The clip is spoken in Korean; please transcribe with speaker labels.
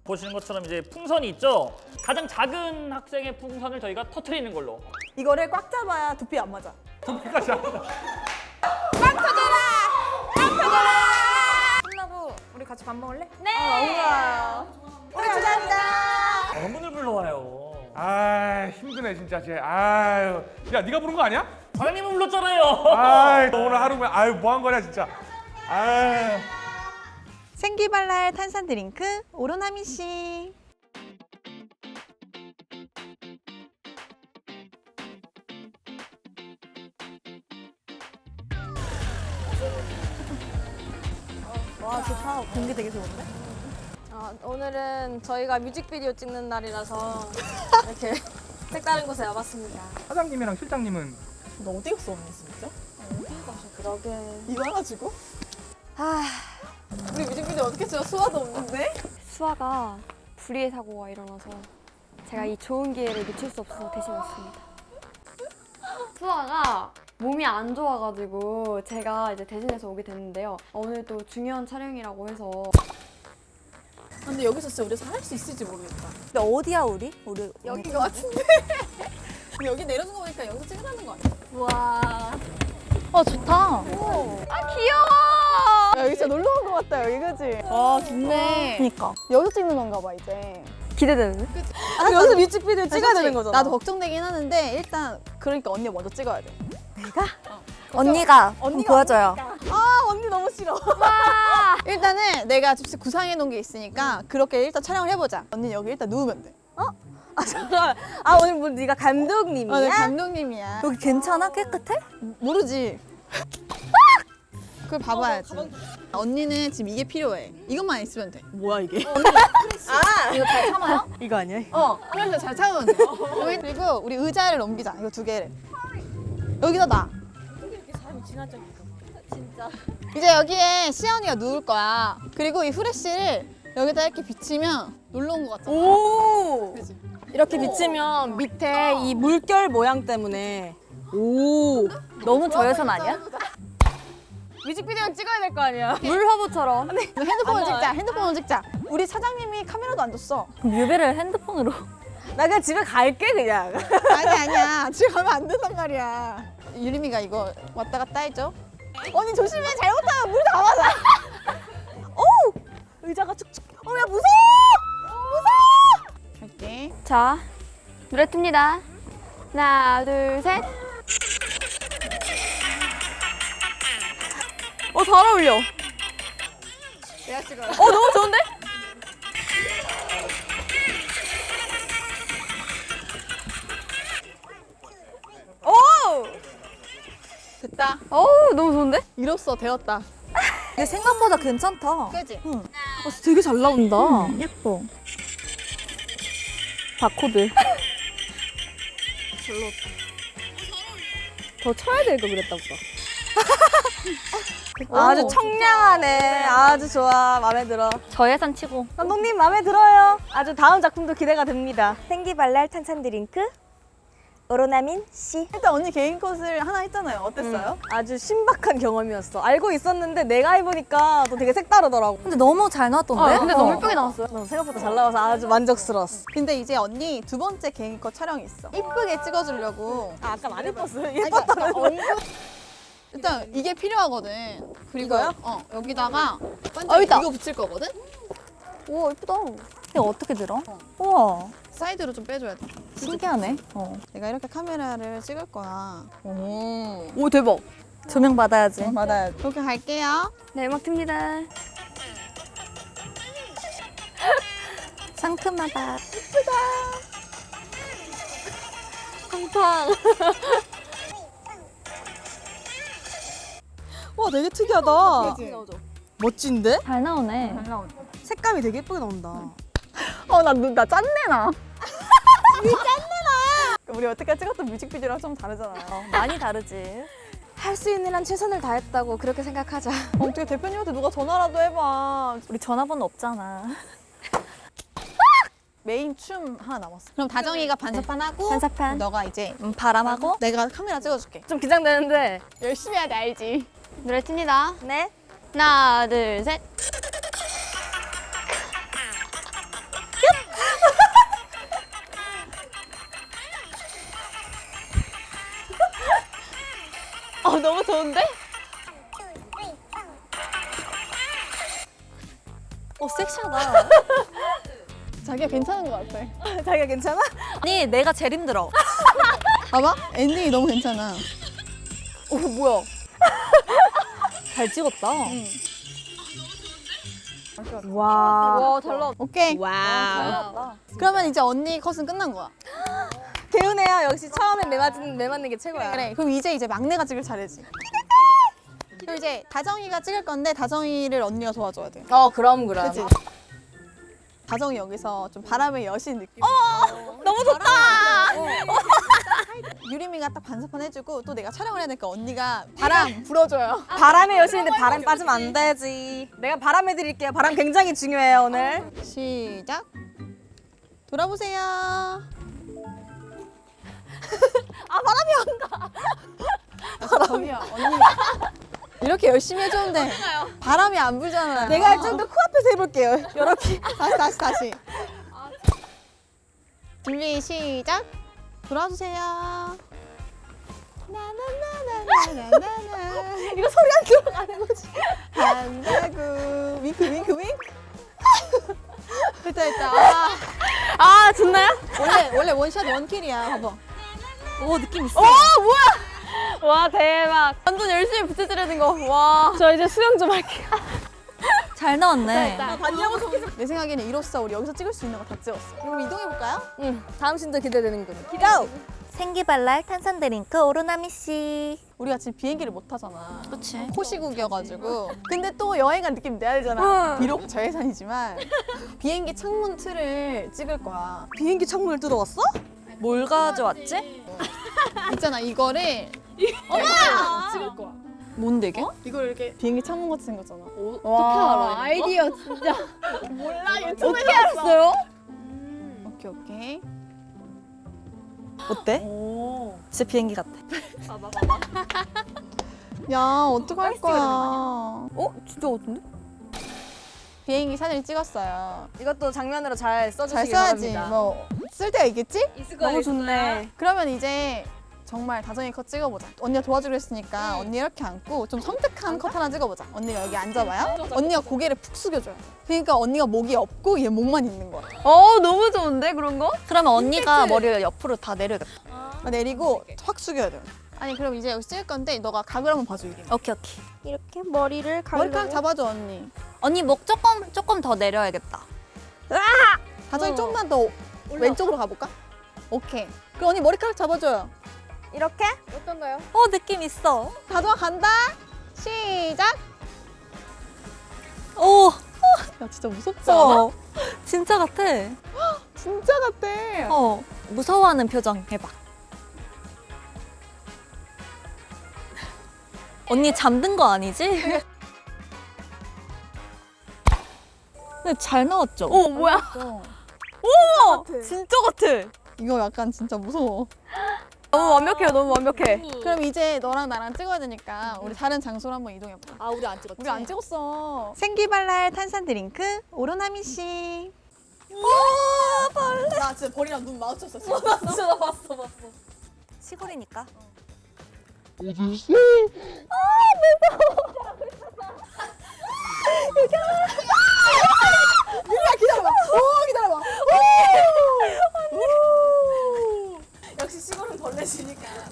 Speaker 1: 보시는 것처럼 이제 풍선이 있죠. 가장 작은 학생의 풍선을 저희가 터트리는 걸로.
Speaker 2: 이거를 꽉 잡아야 두피 안 맞아.
Speaker 1: 두피까지 합니다.
Speaker 2: 끝나고 우리 같이 밥 먹을래?
Speaker 3: 네.
Speaker 2: 너무 좋아요. 우리 감사합니다.
Speaker 1: 어머니를 불러와요.
Speaker 4: 아 힘드네 진짜 쟤. 아유 야 네가 부른 거 아니야?
Speaker 1: 과장님은 불렀잖아요.
Speaker 4: 아이 오늘 하루면 아유 뭐 한 거냐 진짜. 아유.
Speaker 2: 생기발랄 탄산 드링크 오로나미 씨. 와 좋다. 공기 되게 좋은데?
Speaker 3: 오늘은 저희가 뮤직비디오 찍는 날이라서 이렇게 색다른 곳에 와봤습니다.
Speaker 4: 사장님이랑 실장님은
Speaker 2: 너 어디 갔어 언니 진짜?
Speaker 3: 그러게.
Speaker 2: 이거 하나 주고?
Speaker 3: 우리 뮤직비디오 어떻게 찍어? 수화도 없는데?
Speaker 5: 수아가 불의의 사고가 일어나서 제가 이 좋은 기회를 놓칠 수 없어서 대신 왔습니다. 수아가 몸이 안 좋아가지고 제가 이제 대신해서 오게 됐는데요. 오늘 또 중요한 촬영이라고 해서
Speaker 3: 근데 여기서 진짜 우리 할 수 있을지 모르겠다.
Speaker 2: 근데 어디야 우리? 우리
Speaker 3: 여긴 것 같은데? 여기 내려준 거 보니까 여기서 찍으라는 거 아니야? 와.
Speaker 2: 좋다.
Speaker 3: 아 귀여워! 여기 진짜 놀러 온 거 같다 여기 그지?
Speaker 2: 아 좋네. 그니까.
Speaker 3: 여기서 찍는 건가 봐 이제.
Speaker 5: 기대되는데?
Speaker 3: 여기서 뮤직비디오 찍어야
Speaker 2: 솔직히
Speaker 3: 되는 거잖아.
Speaker 2: 나도 걱정되긴 하는데 일단 그러니까 언니가 먼저 찍어야 돼.
Speaker 5: 언니가
Speaker 2: 보여줘요. 아 언니 너무 싫어. 일단은 내가 집에 구상해 놓은 게 있으니까 그렇게 일단 촬영을 해보자. 언니 여기 일단 누우면 돼.
Speaker 5: 잠깐. 오늘 뭐 네가 감독님이야?
Speaker 2: 네, 감독님이야.
Speaker 5: 여기 괜찮아? 깨끗해?
Speaker 2: 모르지. 그걸 봐봐야지. 언니는 지금 이게 필요해. 이것만 있으면 돼. 뭐야 이게?
Speaker 5: 이거 잘 참아요?
Speaker 2: 이거 아니야? 그래서 잘 참으면 돼. 그리고 우리 의자를 넘기자. 이거 두 개를. 여기다 놔.
Speaker 5: 진짜.
Speaker 2: 이제 여기에 시연이가 누울 거야. 그리고 이 후레쉬를 여기다 이렇게 비치면 놀러 온 것 같잖아.
Speaker 3: 오!
Speaker 2: 그치?
Speaker 3: 이렇게 비치면 밑에 이 물결 모양 때문에 오!
Speaker 5: 너무 저예산 아니야?
Speaker 3: 뮤직비디오 찍어야 될 거 아니야?
Speaker 5: 물화보처럼.
Speaker 2: 이거 핸드폰을 찍자. 핸드폰을 찍자. 우리 사장님이 카메라도 안 줬어.
Speaker 5: 뮤비를 핸드폰으로.
Speaker 3: 나 그냥 집에 갈게 그냥.
Speaker 2: 아니야. 집에 가면 안 된단 말이야. 유림이가 이거 왔다 갔다 해줘. 언니 조심해. 잘못하면 물 다 맞아.
Speaker 3: 의자가 축축.
Speaker 2: 야 무서워. 할게.
Speaker 5: 자, 노래 틉니다. 하나, 둘, 셋. 잘 어울려.
Speaker 2: 내가 찍어요.
Speaker 5: 너무 좋은데?
Speaker 2: 됐다.
Speaker 5: 너무 좋은데?
Speaker 2: 이로써 되었다.
Speaker 5: 근데 생각보다 괜찮다.
Speaker 2: 그지?
Speaker 5: 되게 잘 나온다.
Speaker 2: 예뻐.
Speaker 5: 바코드. 더 쳐야 될 거 그랬다 보다.
Speaker 3: 아주 청량하네. 아주 좋아. 마음에 들어.
Speaker 5: 저예산 치고.
Speaker 3: 감독님 마음에 들어요. 아주 다음 작품도 기대가 됩니다.
Speaker 6: 생기발랄 탄산 드링크 오로나민 씨.
Speaker 2: 일단 언니 개인 컷을 하나 했잖아요. 어땠어요?
Speaker 3: 아주 신박한 경험이었어. 알고 있었는데 내가 해보니까 또 되게 색다르더라고.
Speaker 5: 근데 너무 잘 나왔던데?
Speaker 3: 근데
Speaker 5: 너무 예쁘게 나왔어요.
Speaker 3: 생각보다 잘 나와서 아주 만족스러웠어.
Speaker 2: 근데 이제 언니 두 번째 개인 컷 촬영이 있어. 이쁘게 찍어주려고.
Speaker 3: 아까 많이 예뻤어요.
Speaker 2: 예뻤다는 일단 이게 필요하거든. 그리고
Speaker 3: 이거요?
Speaker 2: 여기다가
Speaker 5: 있다.
Speaker 2: 이거 붙일 거거든?
Speaker 5: 우와, 예쁘다. 이거 어떻게 들어? 우와,
Speaker 2: 사이드로 좀 빼줘야 돼.
Speaker 5: 신기하네.
Speaker 2: 내가 이렇게 카메라를 찍을 거야.
Speaker 5: 오, 대박. 조명 받아야지.
Speaker 2: 맞아요. 이렇게 갈게요.
Speaker 5: 네, 음악 틉니다. 상큼하다.
Speaker 3: 팡팡. 와 되게 특이하다.
Speaker 2: 그치?
Speaker 3: 멋진데?
Speaker 5: 잘 나오네.
Speaker 3: 색감이 되게 예쁘게 나온다.
Speaker 5: 나 짠내 나.
Speaker 2: 우리 여태까지 찍었던 뮤직비디오랑 좀 다르잖아요.
Speaker 5: 많이 다르지.
Speaker 3: 할 수 있는 한 최선을 다했다고 그렇게 생각하자.
Speaker 2: 어떻게 대표님한테 누가 전화라도 해봐.
Speaker 5: 우리 전화번호 없잖아.
Speaker 2: 메인 춤 하나 남았어. 그럼 다정이가 반사판 하고
Speaker 5: 반사판.
Speaker 2: 너가 이제
Speaker 5: 바람하고.
Speaker 2: 내가 카메라 찍어줄게.
Speaker 3: 좀 긴장되는데.
Speaker 2: 열심히 해야 돼, 알지?
Speaker 5: 노래 틉니다.
Speaker 6: 네.
Speaker 5: 하나, 둘, 셋.
Speaker 3: 너무 좋은데?
Speaker 6: 섹시하다.
Speaker 2: 자기가 괜찮은 것 같아.
Speaker 3: 자기가 괜찮아?
Speaker 6: 아니, 내가 제일 힘들어.
Speaker 2: 봐봐, 엔딩이 너무 괜찮아.
Speaker 3: 오, 뭐야?
Speaker 6: 잘 찍었다.
Speaker 3: 와.
Speaker 5: 와, 잘 나왔다.
Speaker 2: 오케이.
Speaker 3: 와우.
Speaker 2: 그러면 이제 언니 컷은 끝난 거야.
Speaker 3: 개운해요. 역시 처음에 매 맞는 게 최고야.
Speaker 2: 그래. 그럼 이제 막내가 찍을 차례지. 그럼 이제 다정이가 찍을 건데 다정이를 언니가 도와줘야 돼.
Speaker 3: 그럼.
Speaker 2: 그치? 다정이 여기서 좀 바람의 여신 느낌.
Speaker 3: 너무 좋다.
Speaker 2: 유리미가 딱 반사판 해주고 또 내가 촬영을 해야 되니까 언니가 바람 불어줘요.
Speaker 3: 바람의 여신인데 바람 빠지면 안 되지. 내가 바람 해드릴게요. 바람 굉장히 중요해요, 오늘.
Speaker 2: 시작. 돌아보세요. 바람이 안 가. 바람이야 언니. 이렇게 열심히 해줬는데 바람이 안 불잖아요.
Speaker 3: 내가 좀 더 코앞에서 해볼게요. 이렇게.
Speaker 2: 다시. 준비 시작. 돌아주세요. 나나나나나나나.
Speaker 3: 이거 소리 안 들어가는 거지.
Speaker 2: 한다구 윙크. 됐다.
Speaker 3: 아, 좋나요?
Speaker 2: 원래 원샷 원킬이야. 봐봐.
Speaker 6: 오, 느낌 있어.
Speaker 3: 와, 대박.
Speaker 5: 완전 열심히 부채질하는 거. 와.
Speaker 3: 저 이제 수영 좀 할게요.
Speaker 6: 잘 나왔네.
Speaker 2: 내 생각에는 이로써 우리 여기서 찍을 수 있는 거 다 찍었어. 그럼 이동해 볼까요?
Speaker 3: 응. 다음 신도 기대되는군.
Speaker 2: 고!
Speaker 6: 생기발랄 탄산 드링크 오로나미 씨.
Speaker 2: 우리가 지금 비행기를 못 타잖아.
Speaker 6: 그치.
Speaker 2: 코시국이어가지고. 근데 또 여행 간 느낌 내야 되잖아. 비록 저예산이지만 비행기 창문 틀을 찍을 거야.
Speaker 3: 비행기 창문을 뜯어왔어?
Speaker 6: 뭘 가져왔지?
Speaker 2: 있잖아 이거를 찍을 거야.
Speaker 6: 뭔데 이게?
Speaker 2: 이걸 이렇게 비행기 창문 같이 생겼잖아.
Speaker 3: 어떻게 알아?
Speaker 5: 아이디어 진짜.
Speaker 2: 몰라 유튜브에서
Speaker 3: 어떻게 알았어요?
Speaker 2: 오케이.
Speaker 6: 어때? 진짜 비행기 같아.
Speaker 2: 야 어떡할 거야.
Speaker 3: 진짜 같은데?
Speaker 2: 비행기 사진 찍었어요.
Speaker 3: 이것도 장면으로 잘
Speaker 2: 잘
Speaker 3: 써주시기
Speaker 2: 써야지.
Speaker 3: 바랍니다.
Speaker 2: 뭐 쓸 데가 있겠지?
Speaker 3: 너무 좋네.
Speaker 2: 그러면 이제 정말 다정이 컷 찍어보자. 언니가 도와주기로 했으니까 언니 이렇게 앉고 좀 섬뜩한 컷 하나 찍어보자. 언니가 여기 앉아봐요. 언니가 고개를 푹 숙여줘요. 그러니까 언니가 목이 없고 얘 목만 있는 거야.
Speaker 5: 너무 좋은데 그런 거?
Speaker 6: 그러면 언니가 머리를 옆으로 다 내려야겠다.
Speaker 2: 내리고 확 숙여야 돼요. 아니 그럼 이제 여기 찍을 건데 너가 각을 한번 봐줘 이게.
Speaker 6: 오케이. 이렇게 머리를 가려고.
Speaker 2: 머리카락 잡아줘 언니.
Speaker 6: 언니 목 조금 더 내려야겠다.
Speaker 2: 다정이 좀만 더 왼쪽으로 가볼까? 오케이. 그럼 언니 머리카락 잡아줘요.
Speaker 6: 이렇게?
Speaker 5: 어떤가요?
Speaker 6: 느낌 있어.
Speaker 2: 다정아 간다. 시작.
Speaker 6: 오,
Speaker 2: 야 진짜 무섭지 않아?
Speaker 6: 진짜 같아.
Speaker 2: 진짜 같아.
Speaker 6: 무서워하는 표정 해봐. 언니 잠든 거 아니지? 근데 잘 나왔죠?
Speaker 5: 뭐야?
Speaker 6: 진짜 같아.
Speaker 2: 이거 약간 진짜 무서워.
Speaker 5: 너무 완벽해요. 너무 완벽해.
Speaker 2: 그럼 이제 너랑 나랑 찍어야 되니까 우리 다른 장소로 한번 이동해볼까?
Speaker 6: 아, 우리 안 찍었지?
Speaker 2: 우리 안 찍었어. 생기발랄 탄산 드링크 오로나미 씨. 벌레. 나 진짜 벌이랑 눈 마주쳤어. 진짜.
Speaker 6: 시골이니까.
Speaker 2: 아